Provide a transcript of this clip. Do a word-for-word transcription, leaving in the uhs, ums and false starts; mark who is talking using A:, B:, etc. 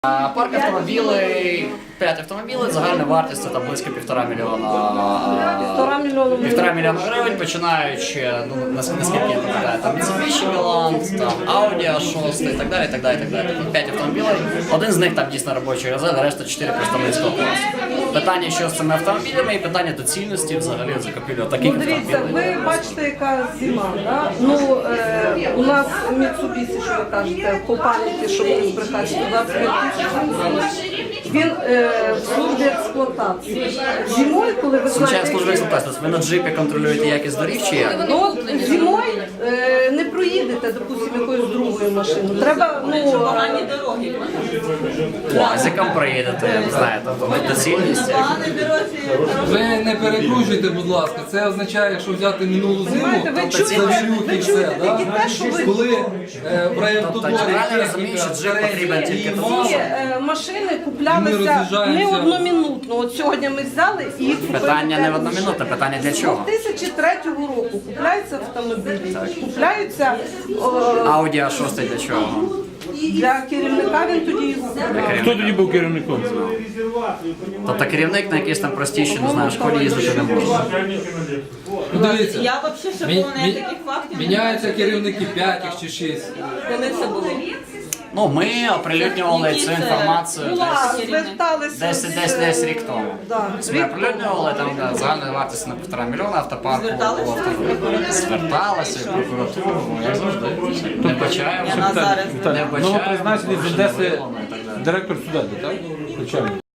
A: Парк автомобілей, п'ять автомобілів, загальна вартість це там близько півтора мільйона.
B: Півтора мільйона
A: Півтора мільйона гривень, починаючи, ну, наскільки я пам'ятаю, там Mitsubishi Milan, там Audi а шість і так далі, і так далі, і так далі. П'ять автомобілів, один з них там дійсно робочий резерв, решта чотири представницького класу. Питання, що з цими автомобілями і питання доцільності взагалі закупівлі таких
B: Ну, дивіться,
A: автомобілів.
B: ви бачите, яка зима, да? Ну, е, у нас Mitsubishi, що ви кажете, по пам'яті, щоб не збрехати, сто двадцять п'ять тисяч, він е, в службі експлуатації. Зимою, коли ви
A: Звичайно,
B: знаєте,
A: служба експлуатації. Ви на джипі контролюєте якість доріг чи як?
B: ну, от зимою е, не проїдете, допустимо, якоюсь другою машиною. Треба, ну,
C: Погані дороги.
A: Лазиком проїдете, ви знаєте, тобто доцільність.
C: Погані дороги.
D: Ви не перекручуйте, будь ласка. Це означає, що взяти минулу зиму,
B: Знаєте, ви
D: там
B: чуєте-
D: завірюхи
B: ви
D: і
B: чуєте
D: все, да?
B: тільки те, що ви-
D: Коли е, в
A: Тобто,
D: райавтодорі
A: чи правильно розумієш, що джип потрібен тільки
D: і
A: тому,
B: ці
A: що
B: е, машини
D: Ми
B: куплялися
D: роз'їжджаємося.
B: не одномінутно. От сьогодні ми взяли і їх купили.
A: Питання не
B: п'ять
A: в одномінутне,
B: машин.
A: питання для
B: З
A: чого?
B: дві тисячі третього року купляються автомобілі, купляються о,
A: Audi а шість для чого?
B: для керівника, він тоді їх купляє.
E: Хто тоді був керівником?
A: Тобто керівник на якійсь там простішій, не знаю, школі їздити не може.
D: Ну, дивіться,
C: Я взагалі ще
D: мі-
C: було
D: мі-
C: ніяких фактів. не
D: міняються керівники п'ять чи шість.
C: знаю. Коли це було?
A: Ну, ми оприлюднювали цю інформацію
B: Була,
A: десь,
B: зверталися
A: десь,
B: з-
A: десь, десь рік тому.
B: Да,
A: Ми
B: рік
A: оприлюднювали, там да, загальна вартість на півтора мільйона автопарку.
C: Зверталися?
A: було авто- Зверталися в прокуратуру, ну, як завжди. Не вбачаємо.
C: Я на зараз.
A: Не вбачаємо.
E: Новопризначений з
A: порушення
E: Одеси
A: виявлено і так далі.
E: директор сюди, так? Звичайно.